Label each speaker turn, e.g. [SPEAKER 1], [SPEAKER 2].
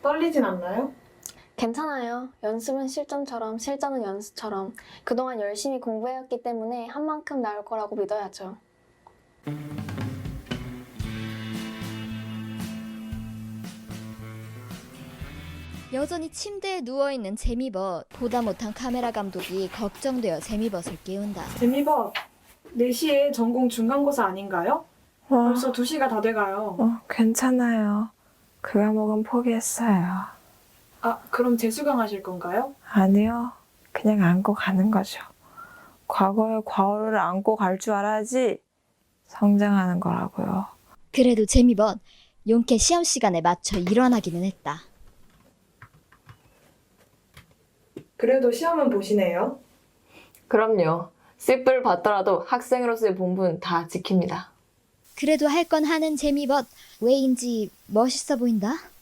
[SPEAKER 1] 떨리진 않나요?
[SPEAKER 2] 괜찮아요. 연습은 실전처럼 실전은 연습처럼 그동안 열심히 공부해왔기 때문에 한 만큼 나올 거라고 믿어야죠.
[SPEAKER 3] 여전히 침대에 누워있는 재미벗. 보다 못한 카메라 감독이 걱정되어 재미벗을 깨운다.
[SPEAKER 1] 재미봐. 4시에 전공 중간고사 아닌가요? 벌써 2시가 다 돼가요.
[SPEAKER 4] 괜찮아요. 그 과목은 포기했어요.
[SPEAKER 1] 아, 그럼 재수강 하실 건가요?
[SPEAKER 4] 아니요. 그냥 안고 가는 거죠. 과거에 과오를 안고 갈 줄 알아야지 성장하는 거라고요.
[SPEAKER 3] 그래도 재미벗 용케 시험 시간에 맞춰 일어나기는 했다.
[SPEAKER 1] 그래도 시험은 보시네요.
[SPEAKER 5] 그럼요. 씹을 받더라도 학생으로서의 본분 다 지킵니다.
[SPEAKER 3] 그래도 할 건 하는 재미벗. 왜인지 멋있어 보인다.